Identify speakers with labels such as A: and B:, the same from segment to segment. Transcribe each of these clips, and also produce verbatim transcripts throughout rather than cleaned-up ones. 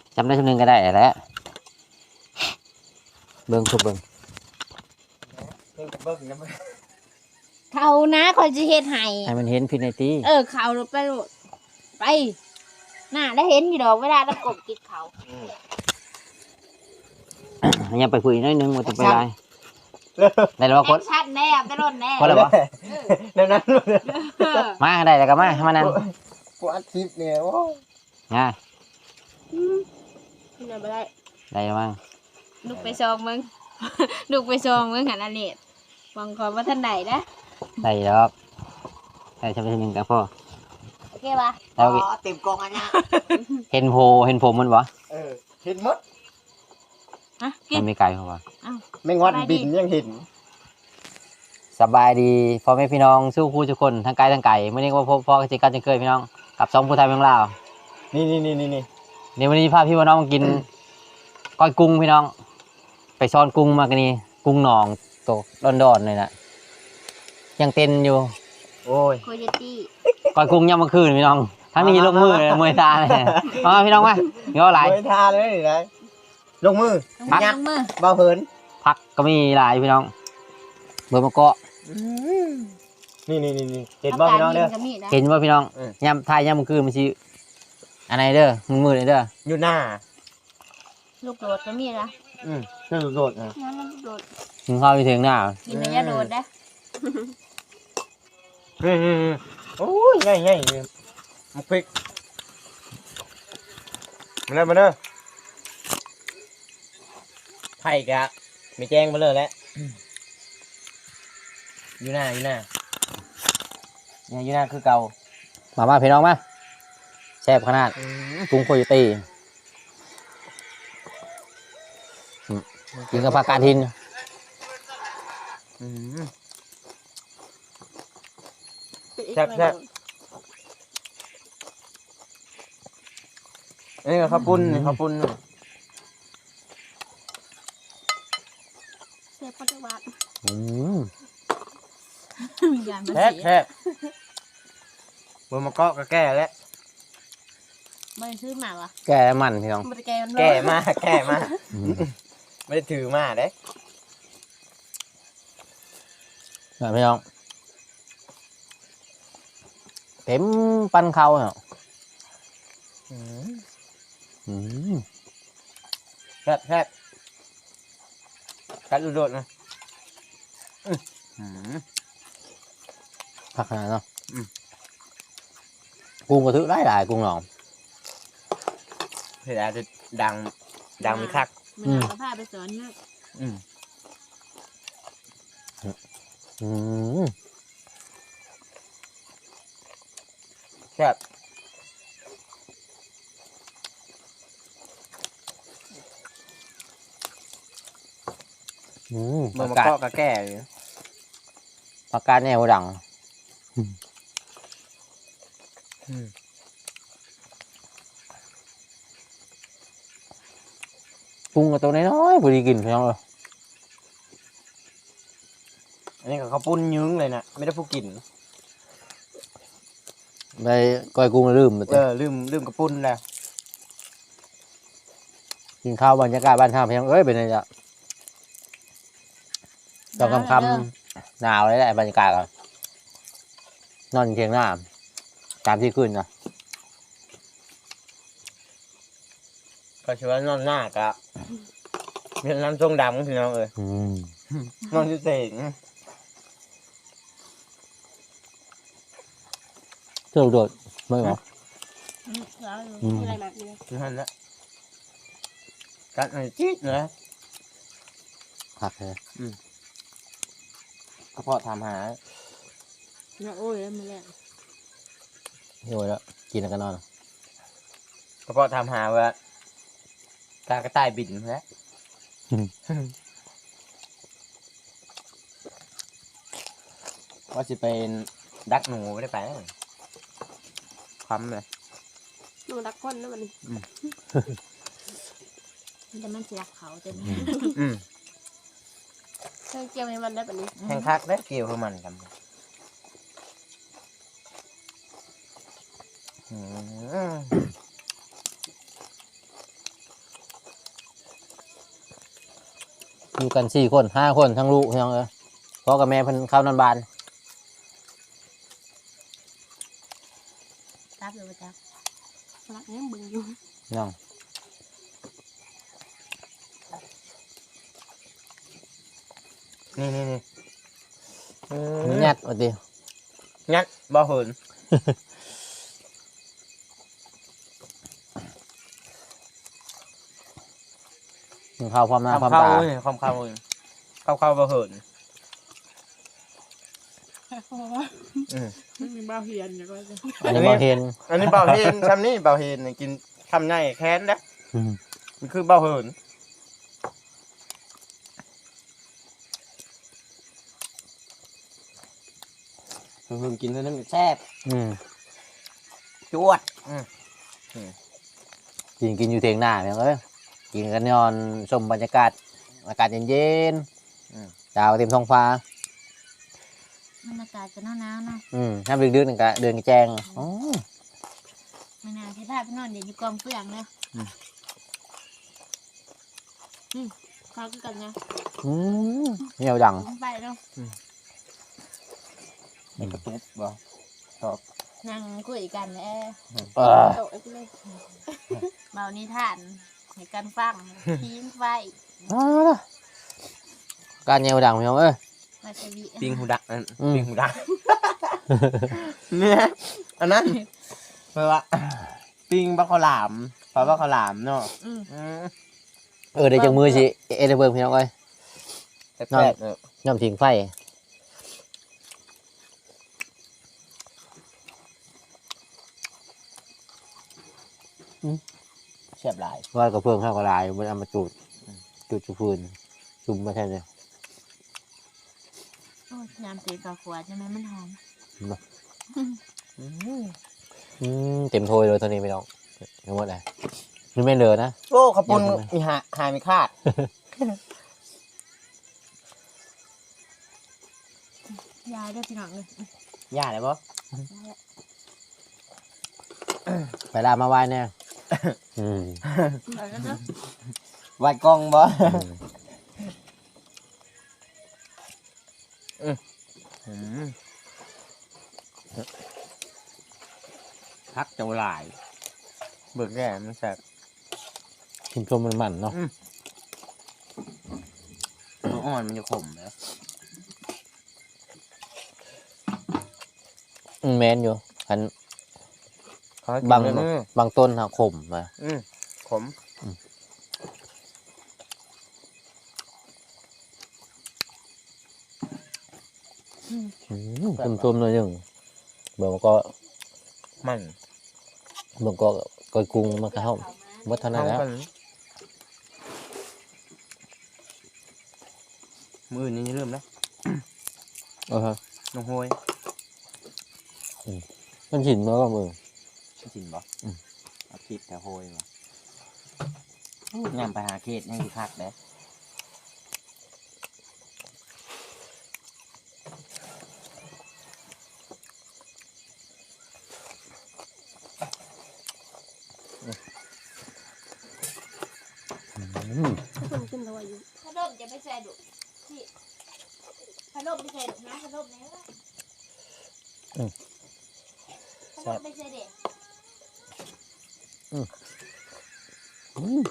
A: จำได้ชั่วนึงก็ได้แล้วเบิ่งทุบเบิ่ง
B: เบิ่งเบิ่งนะมึง
C: เขานะคอยจะเฮ็ดให้
A: ให้มันเห็นพินัยตี
C: เออเขาไปโลดไปน่าได้เห็นอยู่ดอกเวลาเรากบกินเขา
A: ยังไปคุยน้อยนึงว่าจะไปไรได้แล้วคน
C: ชัดแน่ได้รถแน่
A: คนละบ่
B: แล้วนั้นเลย
A: มาได้แล้วก็มามานั่น
B: กูอัดคลิปเนี่ยโอ้
A: ง่าย
C: นี่น่ะบ่ได้
A: ได้แล้วมั้ง
C: ลูกไปซองมึง ลูกไปซองมึงหันอันนี้ฟังขอว่าท่านใดนะ
A: ได้แล้วได้จำได้ชั่วนึงกับพ่อ
C: โอเคป่ะ
A: แล้ว
B: เต็มกองอันเนี้ย
A: เห็นโพเห็นผมมันบ่
B: เออเห็นหมด
C: ฮะกิ
A: มัน นไม่ไกลเพราะว่า
B: ไม่งอดบินยังเห็น
A: สบายดีพ่อแม่พี่น้องสู้คู่ทุกคนทั้งไกลทั้งไกลไม่ได้ว่าพ่อพ่อจิกันจะเคยพี่น้องกับสองผู้ไทยเมืองลาว
B: นี่นี่นี่นี่นี่
A: ในวันนี้พาพี่ว่าน้องมากิน ก้อยกุ้งพี่น้อง ไปซ้อนกุ้งมากันนี่กุ้งหนองโตดอนๆเลยนะยังเต้นอยู่
B: โอ้ย
C: โคโยตี้
A: ก้อยกุ้งย่ำเมื่อคืนพี่น้องทั้งนี้ลงมือเลยมวยตาเลยมาพี่น้องมาเงี้ยหลาย
B: เฮ้ยทาเลยนี่นะลงมือ
C: ลง
B: ยัก
C: มือ
B: เบาเหิน
A: พักก็มีหลายพี่น้องเบอร์มะเกาะ
B: นี่นี่นี่นี่เห็นบ่พี่น้องเด้อ
A: เห็นว่าพี่น้อง
B: เออ
A: ย่ำทายย่ำเมื่อคืนมันชิอันไหนเด้อมือมือเลยเด้อ
B: อยู่หน้า
C: ลูกโดดก็มีนะ
B: อืมเรื่องโดดๆนะ
C: งั้นลูกโดด
A: ถึงเข้าไปถึงหน้า
C: กินระยะโดดนะ
B: เฮ้ยโอ้ยง่ายง่ายมันพริกมาเลยมาเลยไผ่กะไม่แจ้งมาเลยแล้วอยู่หน้าอยู่หน้าเนี่ยอยู่หน้าคือเก่า
A: มามาพี่น้องมาแซ่บขนาดกุ้งโคโยตี้กินกับผักกาดหิน
B: อืม แซ่บแซ่บ อันนี้ก็ข้าวปุ้นนี่ข้าวปุ้นนี่
C: เสียปัจจุบัน
A: อืม
C: มีการมา
B: แซ่บ
C: เสีย
B: แซ่บเบอร์มะกอกก็แก่แล้ว
C: ไม่ได้ซื้อมาวะ
A: แก่มันพี่น้อง
C: ไม่ได้แกมัน
B: แก่มากแก่มาก
A: อืม
B: ไม่ได้ถือมาเด้
A: แบบพี่น้องเต็มปันเขาเนาะ
B: อืม
A: อืม
B: แซ่บแซ่บกัดดูโดดนะอื้อหือ
A: ผักขนาดเนาะ
B: อืม
A: กุ้งกระทึกได้หลายกุ้งหนอง
B: เวลาจะดังดังมีคัก
C: มันเอาผ้าไปสอนนะ
B: อืม
A: อืม
B: แซ่บ
A: อืม
B: เบอ
A: ผั
B: ร์
A: ก
B: มะ
A: กาด
B: กอกก็แก่อยู่
A: ผักกาดแนวดัง
B: อืม
A: กุ้งกับตัวน้อยๆพอดีกินพี่น้องเลย
B: อันนี้ก็ข้าวปุ้นยึ้งเลยนะไม่ได้ผู้กิน
A: ไปก้อยกุ้งลืมไป
B: เออลืมลืมกระปุ้นแล้ว
A: กินข้าวบรรยากาศบ้านท่าพี่น้องเอ้ยเป็นไงจ๊ะตอนค่ำๆหนาวเลยแหละบรรยากาศอะนอนเทียงหน้าตามที่ขึ้นนะ
B: ก็ชื่อว่านอนหน้ากะมีน้ำทรงดำพี่น้องเอ้ย
A: อืม
B: นอนอยู่เสง
A: เที่ยวโดดไม่หรอ
C: แล้ว
A: อืม
C: มีอะไรแบบนี้
B: อยู่หันละกัดหน่อยจี๊ดเลย
A: ผักเลย
B: กระเพาะทำหา
C: นะโอ้ยแล้วมันแรง
A: โยแล้วกินแล้วก็นอน
B: กระเพาะทำหาว่าตากระต่ายบินแล้วว่าจะเป็นดักหนูไม่ได้ไปความเลย
C: หนูรักคนนะมันแต่มันเสียเขาเต็ม
B: อืม
C: เคยเกี่ยวให้มันได้แบบนี้
B: แข่งคักได้เกี่ยวกับมันกันอืม
A: อยู่กันสี่คนห้าคนทั้งลูกทั้งเออพ่อกับแม่เพิ่นเข้านอนบ้าน
C: รับเลยจ้ะ
D: รักยังบึงอยู่
A: น้อง
B: นี่นี่นี่อืม
A: ยัดว่าติ
B: งัดบ่เหิน
A: กินข้าวพร้อมหน้าพร้อม
B: เข้า
A: ตา
B: เว้ยเข้าเข้าเว้ยเข้าเข้าบ่เหิน
D: เพราะว่า
B: อืม
D: ไม่มีบ้าเฮียนอย่างไรจะ
A: อันนี้บ่เห็น
B: อันนี้เบาเฮนชำนี่เบาเฮนนี่กินทำไงแค้นนะ
A: อืม
B: มันคือเบาเหิน
E: เพิ่งกินเท่านั้นแซ่บ
A: อืม
B: จวด
A: กินกินอยู่เถียงหน้าเนี่ยเอ้ยกินกันนอนชมบรรยากาศอากาศเย็นๆดาวเต็มท้องฟ้า
C: บรรยากาศจะหนาวๆเนาะ
A: อืมน้ำดึกๆนึงก็เดินแจ้งอ๋อ
C: ไม่น่าที่พาไปนอนเดี๋ยวอยู่กองเฟืองเลยอืมเขาคือกันไง
A: อืมเหนียวดัง
C: ไปเนาะ
E: ในกระตุกบ่
C: นั่งคุยกันแหละ
A: เออ
D: โตไอ้พี่เลย
C: เบานิทานให้กันฟังทีมไฟ
A: เอาล่ะการเหนียวดังพี่น้องเอ้ย
C: มาจะวี
B: ปิงหูดักนั่น
A: อืม
B: ปิงหูดักเนี่ยอันนั้นเพราะว่าปิงบักขาวหลามปลาบักขาวหลามเนาะ
C: อืม
B: อืม
A: เออเดี๋ยวจังมือสิเอเดเบิร์พี่น้องเอ้ย
B: แซ่บๆเนอะ
A: ย่อมทิ้งไฟ
B: แซ่บหลาย
A: ว่ากระเพื่องข้าวกระลายมันเอามาจูดจูดจุพื้นจุ่มมาแค่นี้
C: โอ้ยยามตีกับขวดใช่ไหมมันหอม
B: อืม
A: อืมเต็มถ้วยเลยตอนนี้พี่น้องทั้งหมดเลยนี่ไม่เหลือนะ
B: โอ้ขาวปุน
A: ยังไง
B: มีหาหายไม่คาด
C: ยายด้วยพี่น้องเลย
B: ย่าเลยปะ
A: ไปลามาไหว้เนี่ยอืม
C: ไปแล้วเนาะ
B: วัดกล้องบ่
A: อืม
B: อืมพักเจ้าหลาย เบิกแก่มันแซ่บ
A: ชิมชมมันมันๆเนาะ
B: ตัวอ่อนมันจะขมนะ
A: อืมแมนอยู่อัน
B: เขาให้กิน
A: บาง
B: เลยนะ
A: บางต้นหักขมมา
B: อืมขม
A: อืมชิมชมหน่อยหนึ่งเบิ่งก็
B: มัน
A: เบิ่งก็ก้อยกุ้งมันก็เข้าหมดเท่านั้น
B: เข้า
A: แล้ว
B: กันมืออื่นนี่เริ่มแล้ว
A: เออฮะ
B: น้องโฮย
A: มันฉินมาบ้างมึง
E: จริงบ่
A: อืม
E: เอาคลิปแต่โหยบ่ยามไปหาเขตยังสิคักเด้
A: อืม
D: คนขึ้นตัวอยู่
C: ขนมจะไม่ใส่ดุที่ขนมไม่ใส่ดุนะขนมไหนวะขนมไม่ใส่เด็ก
A: อืม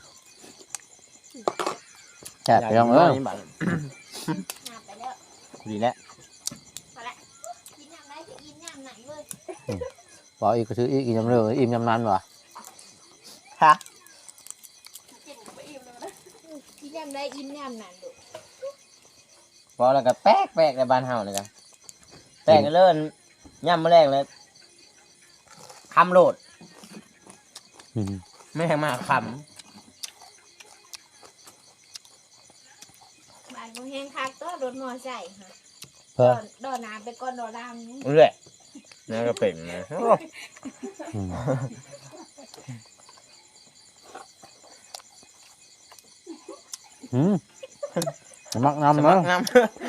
A: แซ่บไปลองเออ
B: นี่บัด
C: น้ำไปแล้ว
B: ดีแล้ว
C: พอละกินน้ำไรจะอิ่มน้ำหนักเลย
A: บอกอีกก็ซื้ออีกอีกยำเรืออิ่มยำนั้นวะ
B: ฮะ
C: กินไปอิ่มแล้วนะกินน้ำไรอิ่มน้ำหนักดุ
B: พอแล้วก็แป๊กแป๊กในบ้านเฮาเลยกันแป๊กกันเลิ่นย่ำมาแรงเลยคำโหลด
A: อืม
B: ไม่ให้มาค
C: บ้านบ่แห้งคักก็รถมอไซค์ค่ะ
A: เพื่อ
C: ดอนน้ำไปก่อนดอรามนี่
B: ำเรื่อยนี่ก็เป็นนะ
A: อืมอืมมักน้ำมั้ง
B: น้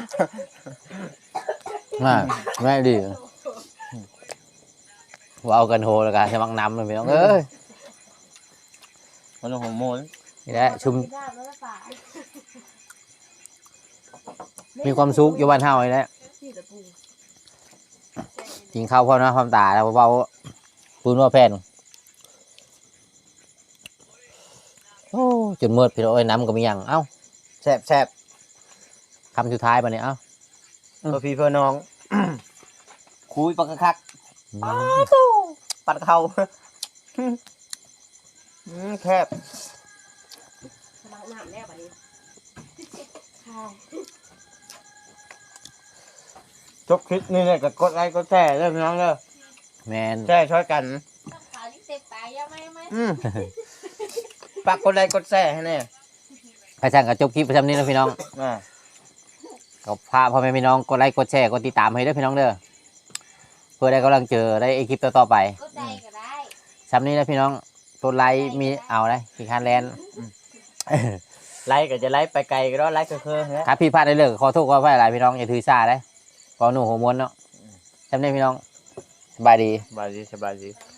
A: น่าแม่ดีว่าเอากันโหแล้วกันจะมักน้ำเลยพี่น้องเอ้ย
B: ำมันลงหัวโมน
A: นี่แหละชุม
C: ได้แล้วละฝ่า
A: มีความสุขอยู่บ้านเฮาเลยแหละกินข้าวพร้อมหน้าพร้อมตาแล้วเบาๆปืนว่าแพนโอ้จนมืดพี่น้องเอ้ยน้ำก็มีอย่างเอ้า
B: แซ่บแซ่บ
A: คำสุดท้ายปะเนี่ยเอ้า
B: เพื่อพี่เพื่อน้อง คุยปักคัก
A: อื
B: อ้าว
A: ม
B: ตู้ปัดเขาอืมแคบ
D: ล้างน้ำแล้วบัดนี้
B: จบคลิปนี่เนี่ยก็กดไลค์กดแชร์เด้อพี่น้องเด้อ
A: แมน
B: แชร์ช่วยกัน
C: ขาวที่เต็มตายยังไม่ไม่
B: อืมฝากกดไลค์กดแชร์ให้แน่
A: กระช่างกับจบคลิปประจำนี้นะพี่น้อง
B: อ่า
A: ก็พาพ่อแม่พี่น้องกดไลค์กดแชร์กดติดตามให้ด้วยพี่น้องเด้อเพื่อได้กำลังเจอได้คลิปต่อๆไป
C: ก็ใจก็ได้
A: ซ้ำนี้นะพี่น้องตัวไลค์มีเอาได้ที่คันแลนด์
B: ไลค์ก็จะไลค์ไปไกลก็ได้ไลค์ก็คือฮะ
A: ครับพี่พลาดได้เลยขอโทษขออภัยหลายพี่น้องอย่าถือสาได้ขอหนูหัวม้วนเนาะซ้ำนี้พี่น้องสบายดี
B: สบายดีสบายดี